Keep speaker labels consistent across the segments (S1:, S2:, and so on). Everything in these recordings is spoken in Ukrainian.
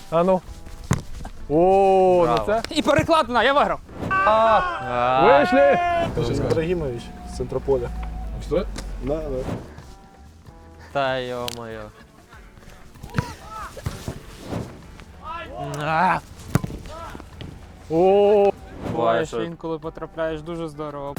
S1: А ну. О, ну це.
S2: І перекладина, я виграв.
S1: Вийшли!
S3: Ибрагимович с Центрополя.
S1: Що?
S3: Да, да.
S4: Та йо-моє.
S1: О,
S2: Буває,
S4: що-
S2: що інколи потрапляєш дуже здорово.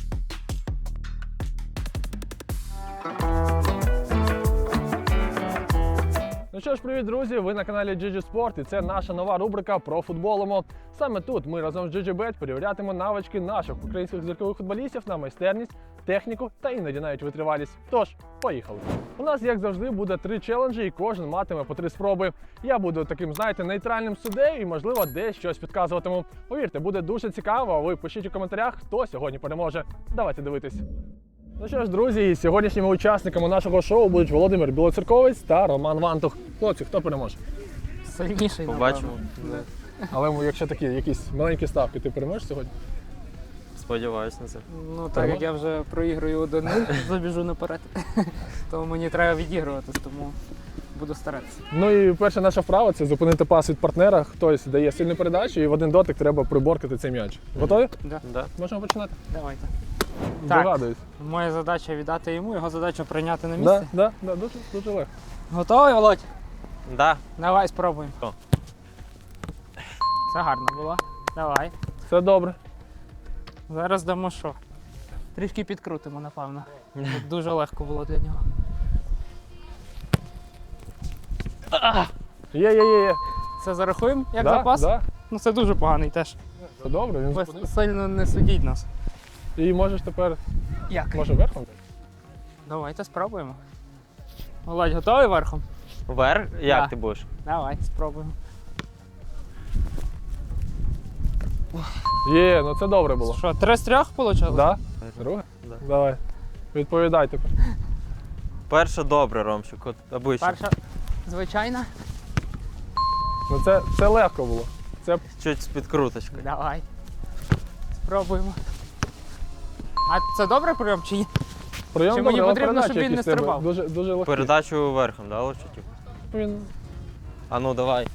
S1: ну що ж, привіт, друзі! Ви на каналі GG Sport і це наша нова рубрика про футболимо. Саме тут ми разом з GGBet перевірятимемо навички наших українських зіркових футболістів на майстерність, техніку та іноді навіть витривалість. Тож, поїхали! У нас, як завжди, буде 3 челенджі і кожен матиме по 3 спроби. Я буду таким, знаєте, нейтральним суддею і, можливо, десь щось підказуватиму. Повірте, буде дуже цікаво, а ви пишіть у коментарях, хто сьогодні переможе. Давайте дивитись. Ну що ж, друзі, сьогоднішніми учасниками нашого шоу будуть Володимир Білоцерковець та Роман Вантух. Хлопці, хто переможе?
S2: Сильніший,
S4: Побачимо.
S2: напевно.
S1: Але якщо такі якісь маленькі ставки, ти переможеш сьогодні?
S4: Сподіваюсь на це.
S2: Ну так як я вже проіграю 1-0, забіжу наперед. То мені треба відігруватись, тому буду старатися.
S1: Ну і перша наша вправа – це зупинити пас від партнера. Хтось дає сильну передачу і в один дотик треба приборкати цей м'яч. Готові?
S2: Да.
S4: Да?
S1: Можемо починати?
S2: Давайте. Так.
S1: Догадуюсь.
S2: Моя задача віддати йому, його задача прийняти на
S1: Да,
S2: місце.
S1: да, да, дуже, дуже легко.
S2: Готовий, Володь?
S4: Да.
S2: Давай спробуємо.
S4: О.
S2: Це гарно було. Давай.
S1: Все добре.
S2: Зараз дамо що? Трішки підкрутимо, напевно. Тут дуже легко було для нього.
S1: Є.
S2: Це зарахуємо як
S1: Да,
S2: запас?
S1: да.
S2: Ну це дуже поганий теж.
S1: Все добре, він
S2: Ви
S1: зупинився.
S2: сильно не судіть нас.
S1: І можеш тепер,
S2: Як?
S1: може, верхом?
S2: Давайте спробуємо. Володь, готовий верхом?
S4: Вверх? Як
S2: Да.
S4: ти будеш?
S2: Давай, спробуємо.
S1: Є, ну це добре було.
S2: Що, 3 з 3 вийшло?
S1: Да? Друге?
S4: Да.
S1: Давай. Відповідай тепер.
S4: Перше добре, Ромчик, от обично.
S2: Перша звичайна.
S1: Ну це легко було. Це
S4: Чуть з підкруточкою.
S2: Давай. Спробуємо. А це добре прийом чи ні?
S1: прийом
S2: Чи
S1: добре,
S2: мені
S1: але
S2: потрібно,
S1: передачі
S2: щоб він не
S1: якісь треба
S2: стрибав?
S1: Дуже легкі.
S4: Передачу верхом, да, лучше? Типу?
S1: Він...
S4: А ну давай.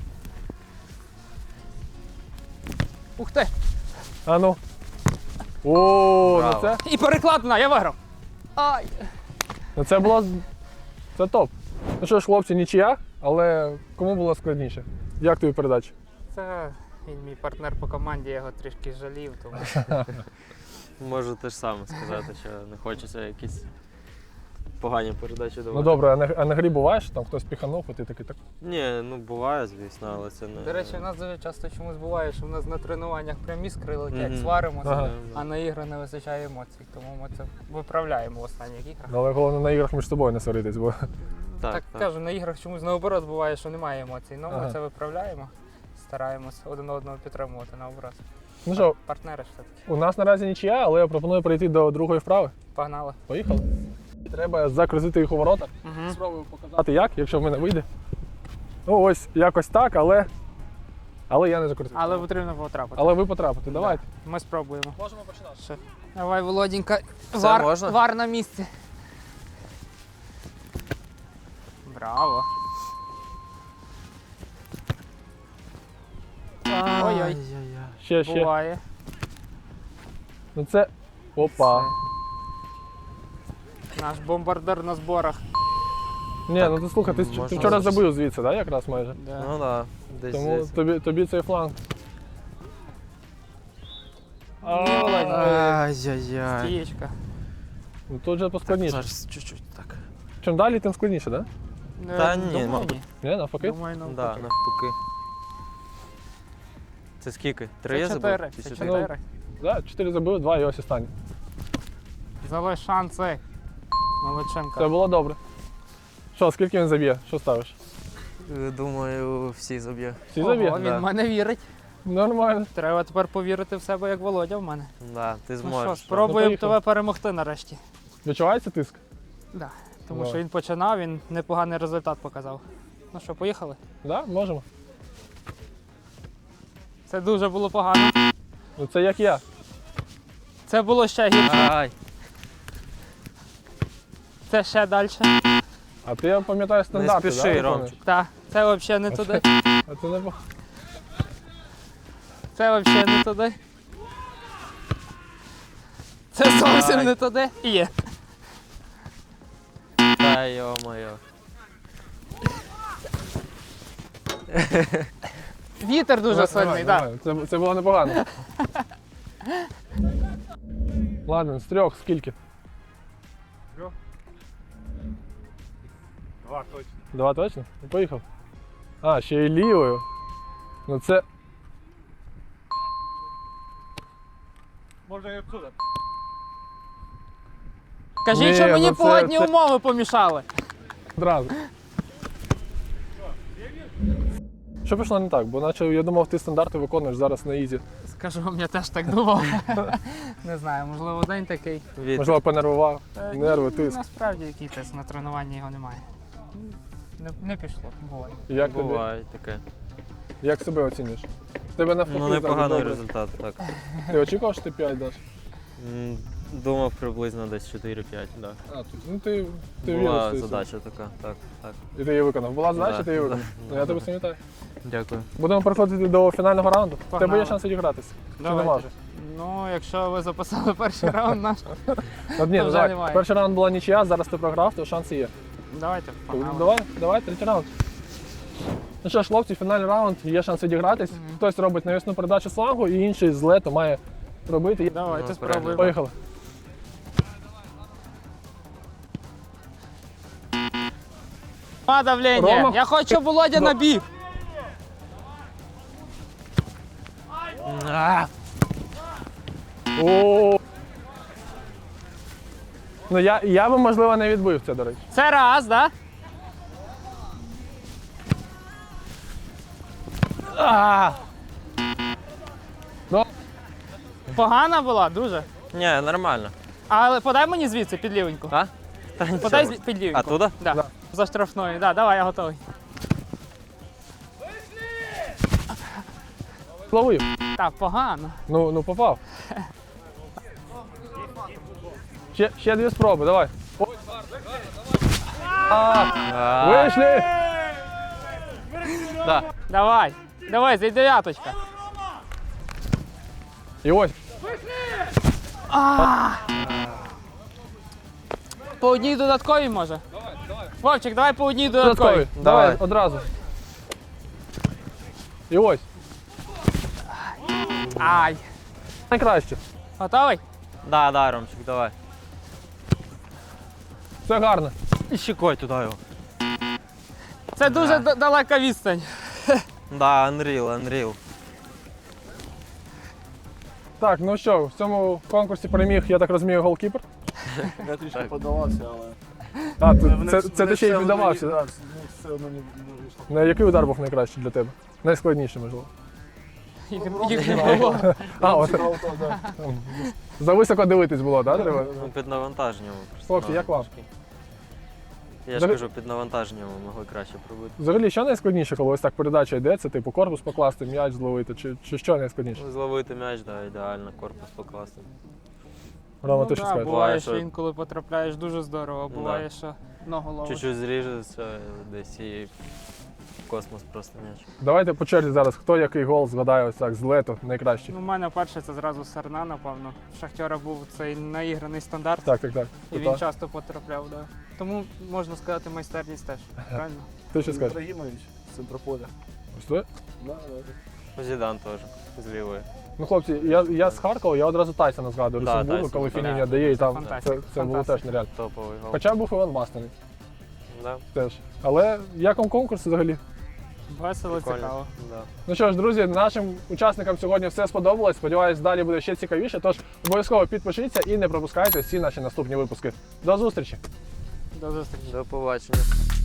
S2: Ух ти!
S1: А ну. О, ну
S4: Браво.
S1: це,
S2: І перекладина, я виграв! Ай!
S1: ну це було... Це топ. Ну що ж, хлопці, нічия, але кому було складніше? Як тобі передача?
S2: Це він мій партнер по команді, я його трішки жалів, тому
S4: Можу те ж саме сказати, що не хочеться якісь погані передачі давати.
S1: Ну добре, а на грі буваєш, там хтось піханув, і ти такий так.
S4: Ні, ну буває, звісно, але це не...
S2: До речі, у нас дуже часто чомусь буває, що в нас на тренуваннях прям іскри летять,
S4: Мгм.
S2: сваримося,
S1: Ага.
S2: а на ігри не вистачає емоцій, тому ми це виправляємо в останніх іграх.
S1: Ну, але головне на іграх між собою не сваритись, бо
S2: Так кажу, на іграх чомусь наоборот буває, що немає емоцій. Ну
S1: Ага.
S2: ми це виправляємо, стараємось один одного підтримувати наоборот.
S1: ну що,
S2: Партнери ж все-таки.
S1: у нас наразі нічия, але я пропоную перейти до другої вправи.
S2: Погнали.
S1: Поїхали. Треба закрутити їх у ворота.
S2: Угу.
S1: Спробую показати як, якщо в мене вийде. Ну ось, якось так, але я не закрутив.
S2: Але потрібно потрапити.
S1: Але ви потрапите, давайте.
S2: Ми спробуємо.
S1: Можемо починати.
S2: Ще. Давай, Володінька,
S4: Це можна?
S2: вар на місці. Браво. Ой-ой.
S1: Ще.
S2: Буває.
S1: Ну це. Опа.
S2: Все. Наш бомбардир на зборах.
S1: Ні, ну ти слухай, ти
S4: можна
S1: вчора
S4: зараз.
S1: забив звідси, да, якраз майже.
S2: Да.
S4: Ну да, десь
S1: Тому
S4: здесь.
S1: тобі цей фланг.
S2: Ні, Володь,
S4: Ай-яй-яй.
S2: стієчка.
S1: Ну тут же поскладніше.
S4: Зараз чуть-чуть так.
S1: Чим далі, тим складніше, так?
S4: Та ні,
S2: Думаю,
S4: мабуть.
S2: ні.
S1: Ні, навпаки?
S2: Думаю, навпаки.
S4: Да, навпаки. Це скільки? 3 я
S2: Це
S4: забив?
S2: 4.
S4: Чи
S2: Це
S4: чотири?
S2: 4.
S1: Да, 4 забив, 2 і ось останній.
S2: Залиш шанси. Молодченко.
S1: Це було добре. Що, скільки він заб'є? Що ставиш?
S4: Думаю, всі заб'є.
S1: Всі
S2: Ого,
S1: заб'є?
S2: він
S4: Да.
S2: в мене вірить.
S1: Нормально.
S2: Треба тепер повірити в себе, як Володя в мене.
S4: Да, ти
S2: Ну що,
S4: зможеш.
S2: спробуємо
S1: поїхали.
S2: тебе перемогти нарешті.
S1: Відчувається тиск?
S2: Да. Тому
S1: Давай.
S2: що він починав, він непоганий результат показав. Ну що, поїхали?
S1: Да, можемо.
S2: Це дуже було погано.
S1: Ну це як я.
S2: Це було ще гірше.
S4: Ай,
S2: Це ще далі.
S1: А ти, я пам'ятаю,
S4: не
S1: стандарти,
S4: спіши,
S1: да,
S4: Ромчик.
S2: Так, Це взагалі не туди.
S1: А це не було.
S2: Це взагалі не туди. Це зовсім не туди. І є.
S4: Та йо-моє.
S2: Вітер дуже сильний, так.
S1: Це було непогано. Ладно, з трьох скільки?
S3: Два точно.
S1: Два точно? Ну, поїхав. А, ще й лівою. Ну це.
S3: Можна і отсюда.
S2: Кажіть,
S1: Ні,
S2: що мені
S1: ну це-
S2: погодні
S1: це-
S2: умови помішали.
S1: Одразу. Що пішло не так? Бо наче я думав, ти стандарти виконуєш зараз на ізі.
S2: Скажу вам, я теж так думав. Не знаю, можливо, день такий.
S4: Вітер.
S1: Можливо, понервував. Нерви, тиск.
S2: Насправді який тиск, на тренуванні його немає. Не пішло, буває.
S1: Як тобі?
S4: Буває таке.
S1: Як себе оцінюєш? В тебе навпаки
S4: Ну,
S1: завжди
S4: непоганий
S1: добре.
S4: результат, так.
S1: Ти очікував, що ти 5 даш?
S4: Думав приблизно десь 4-5, так.
S1: А, тут, ну ти віриш.
S4: Була
S1: в це.
S4: задача така, так, так.
S1: І ти її виконав. Була задача,
S4: Да,
S1: ти її виконав.
S4: да,
S1: Ну, я
S4: да.
S1: тебе пам'ятаю.
S4: Дякую.
S1: Будемо переходити до фінального раунду. В тебе
S2: Погнали.
S1: є шанс відігратися. Чи
S2: Давайте.
S1: нема вже?
S2: Ну, якщо ви записали перший раунд наш,
S1: От ні,
S2: вже
S1: давай.
S2: немає.
S1: Перший раунд була нічия, зараз ти програв, то шанси є.
S2: давайте погнали.
S1: Давай, третій раунд. Ну що ж, хлопці, фінальний раунд, є шанс відігратись.
S2: Мгм.
S1: Хтось робить навісну передачу слангу, і інший з лету має робити.
S2: Давайте
S4: Ну,
S2: спробуємо.
S1: Поїхали.
S2: Давлення.
S1: Рома.
S2: Я хочу Володя на бік.
S1: О. Ну я би, можливо, не відбив це, до речі.
S2: Це раз, так?
S1: А! Ну,
S2: Погана була, дуже.
S4: Ні, нормально.
S2: Але подай мені звідси під лівеньку.
S4: А? Та
S2: Подай
S4: нічого.
S2: під лівеньку.
S4: А туди?
S2: Да.
S1: Да.
S2: За штрафною. Да, давай, я готовий.
S1: ловив.
S2: Так, погано.
S1: Ну попав. Ще дві спроби, давай. Вийшли!
S4: Да.
S2: Давай. Давай, зайди дев'яточка.
S1: І ось.
S2: По одній додатковій може. Вовчик, давай по одній додатковій.
S1: Додатковий.
S4: Давай.
S1: Давай, одразу. І ось.
S2: Ай.
S1: Найкраще.
S2: Готовий?
S4: Да, Ромчик, давай.
S1: Все гарно.
S4: І щекой туди його.
S2: Це дуже далека відстань.
S4: Да, Unreal.
S1: Так, ну що, в цьому конкурсі переміг, я так розумію, голкіпер.
S3: Я трішки подавався, але...
S1: А,
S3: Вони-
S1: це ти
S3: вони
S1: ще й
S3: все одно
S1: віддавався.
S3: не-
S1: Да?
S3: да, ну, все одно не вийшло.
S1: На який удар був найкращий для тебе? Найскладніший, можливо.
S2: Їх не було.
S1: А, от.
S3: Цікаво, то, да.
S1: Зависоко дивитись було, так? Треба?
S4: Ну, під навантаженням. просто
S1: Хлопці, як вам?
S4: Я ж
S1: Взагалі-
S4: кажу, під навантаженням могли краще пробити.
S1: Взагалі, що найскладніше, коли ось так передача йде? Це типу корпус покласти, м'яч зловити, чи що найскладніше?
S4: Ну, зловити м'яч, да, ідеально, корпус покласти.
S1: Рома,
S2: Ну
S1: ти що
S2: да,
S1: скажеш?
S2: буває,
S4: що-
S2: що інколи потрапляєш дуже здорово, буває,
S4: Да.
S2: що ногу ловиш.
S4: Чуть-чуть зріжеться десь і в космос просто м'яч.
S1: Давайте по черзі зараз, хто який гол згадає ось так з лету найкращий.
S2: Ну, у мене перше це зразу Сарна, напевно. В Шахтера був цей наіграний стандарт,
S1: Так.
S2: і він часто потрапляв. Да. Тому можна сказати, майстерність теж. Правильно?
S1: Ти що скажеш?
S3: Ібрагімович з центрополя.
S1: Ось це?
S3: Да, да.
S4: Зідан теж, з лівої.
S1: Ну, хлопці, я з Харкова, я одразу Тайсона згадую,
S4: Да,
S1: Люксембургу,
S4: Тайсон,
S1: коли
S4: да.
S1: Фініння дає, і там
S2: Фантастика,
S1: це було
S2: фантастика.
S1: теж нереально.
S4: Топовий гол.
S1: Хоча був Іван Масляний
S4: Да,
S1: теж. Але як вам конкурс взагалі?
S2: Весело,
S4: прикольно.
S2: цікаво.
S4: Да.
S1: Ну що ж, друзі, нашим учасникам сьогодні все сподобалось. Сподіваюсь, далі буде ще цікавіше. Тож обов'язково підпишіться і не пропускайте всі наші наступні випуски. До зустрічі!
S2: До зустрічі.
S4: До побачення.